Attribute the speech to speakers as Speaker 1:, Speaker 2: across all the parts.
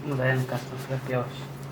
Speaker 1: Dayanık kasması yap yavaş.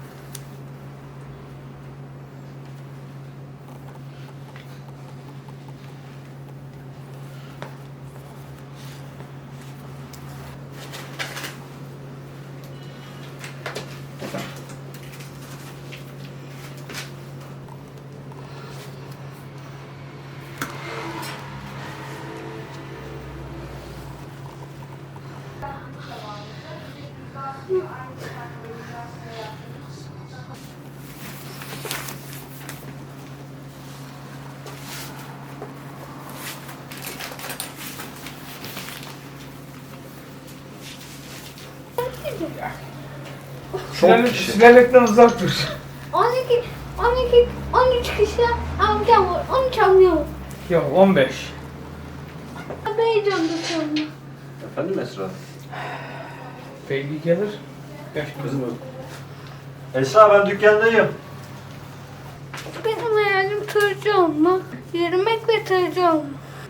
Speaker 2: Silerlikten uzak dur.
Speaker 3: 12, 12, 13 kişi amcam var, 13 amcam var.
Speaker 2: Yok 15.
Speaker 3: Ben heyecanlı şu anda.
Speaker 4: Efendim Esra?
Speaker 2: Belki gelir.
Speaker 4: Kızım. Esra ben dükkandayım.
Speaker 3: Benim hayalim tırcı olmak, yürümek ve tırcı olmak.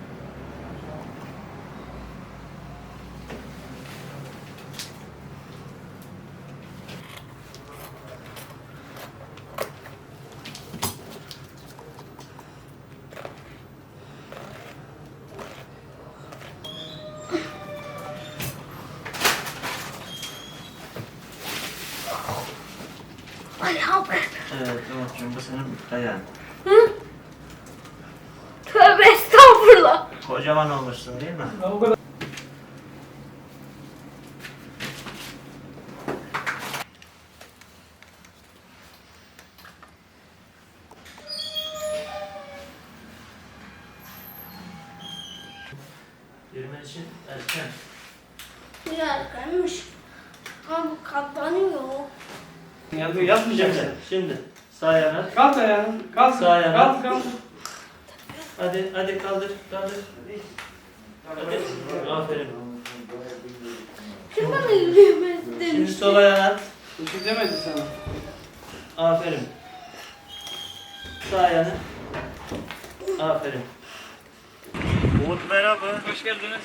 Speaker 3: Ayağım.
Speaker 4: Evet Umut'cum bu senin ayağın.
Speaker 3: Hı? Tövbe estağfurullah.
Speaker 4: Kocaman olmuşsun değil mi?
Speaker 2: O kadar.
Speaker 4: Yürümen için erken.
Speaker 3: Biraz kaymış. Ama bu katlanıyor.
Speaker 4: Yapmayacaksın. Şimdi sağ ayağına.
Speaker 2: Kalk ayağını. Kalk.
Speaker 4: Sağ ayağına.
Speaker 2: Kalk kalk.
Speaker 4: Hadi kaldır. Hadi. Aferin.
Speaker 3: Kim bana yürüyemez
Speaker 4: Şimdi
Speaker 3: demiş.
Speaker 4: sol ayağına.
Speaker 2: Bir şey demedi sana.
Speaker 4: Aferin. Sağ ayağını. Aferin. Umut merhaba.
Speaker 2: Hoş geldiniz.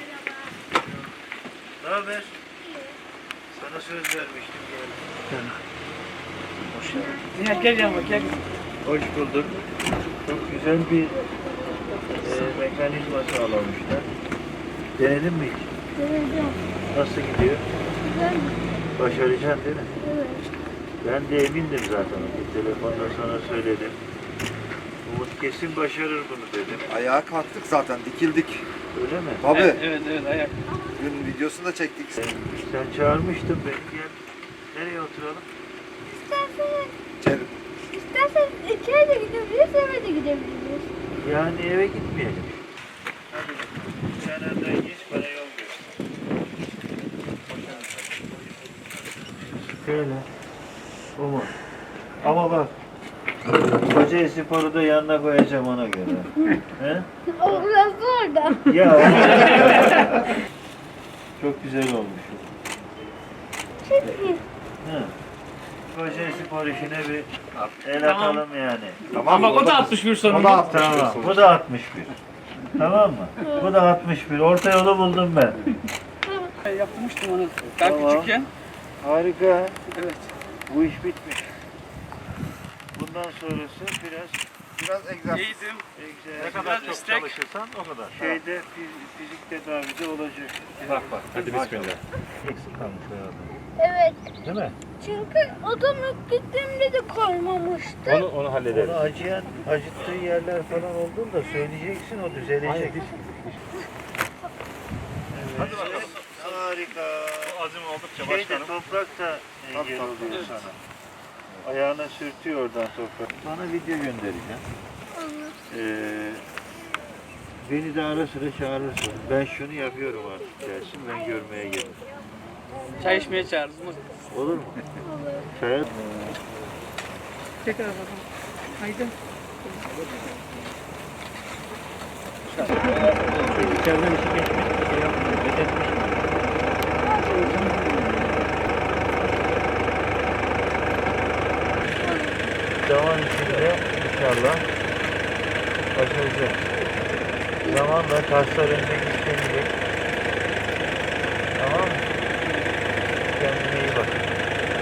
Speaker 4: Ne haber? Sana söz vermiştim gel. Hoş geldin.
Speaker 2: Nihat gel yanıma gel.
Speaker 4: Hoş bulduk. Çok güzel bir mekanizma sağlamışlar. Denedin mi hiç?
Speaker 3: Deneyeceğim.
Speaker 4: Nasıl gidiyor?
Speaker 3: Güzel mi?
Speaker 4: Başaracaksın değil mi?
Speaker 3: Evet.
Speaker 4: Ben de emindim zaten. Bir telefonda sana söyledim. Umut kesin başarır bunu dedim.
Speaker 5: Ayağa kalktık zaten, dikildik.
Speaker 4: Öyle mi?
Speaker 5: Tabii.
Speaker 2: Evet ayak.
Speaker 5: Dün videosunu da çektik.
Speaker 4: Sen çağırmıştın beni. Gel. Nereye oturalım?
Speaker 3: İsterseniz, isterseniz içeri de gidebiliriz, eve de gidebiliriz.
Speaker 4: Yani eve gitmeyelim. Hadi bakalım. Sen önden geç, bana yol göster. Şöyle. Umut. Ama bak. Koca sporu da yanına koyacağım ona göre. He?
Speaker 3: O biraz zor da.
Speaker 4: Ya. Çok güzel olmuş.
Speaker 3: Çok iyi.
Speaker 4: He. Koca spor işine bir el atalım yani.
Speaker 5: Tamam.
Speaker 2: Ama o da 61
Speaker 5: O
Speaker 2: sonunda.
Speaker 5: da 61
Speaker 4: Tamam.
Speaker 5: sonuç.
Speaker 4: Bu da 61. Tamam mı? Bu da 61. Orta yolu buldum ben.
Speaker 2: Yapmıştım onu. Daha
Speaker 4: Tamam.
Speaker 2: küçükken.
Speaker 4: Harika.
Speaker 2: Evet.
Speaker 4: Bu iş bitmiş. Bundan sonrası
Speaker 5: Biraz egzersiz.
Speaker 2: İyiydim.
Speaker 4: egzersiz.
Speaker 2: Ne kadar çok
Speaker 4: çalışırsan o kadar. Şeyde fizik tedavide olacak.
Speaker 6: Bak. Hadi bismillah.
Speaker 4: Eksik kalmış herhalde.
Speaker 3: Evet.
Speaker 4: Değil mi?
Speaker 3: Çünkü odam ilk gittiğimde de koymamıştı.
Speaker 6: Onu hallederiz.
Speaker 4: Onu acıttığı yerler falan olduğunda söyleyeceksin o düzelecek. Hadi bakalım. Harika.
Speaker 6: Azim oldukça
Speaker 4: Şeyde toprak da engel
Speaker 5: Tabii.
Speaker 4: oluyor sana. Ayağına sürtüyor oradan toprak. Sana video göndereceğim. Beni de ara sıra çağırırsın. Ben şunu yapıyorum artık dersin. Ben görmeye gelirim.
Speaker 2: Çay içmeye çağırırız mı?
Speaker 4: Olur mu? Çaya...
Speaker 2: Tekrar bakalım. Haydi.
Speaker 4: İçeriden işi geçmiş, şey yapmıyor, fethetmiş mi? Zaman içinde inşallah başaracağız. Zamanla kaslar önce gittiğini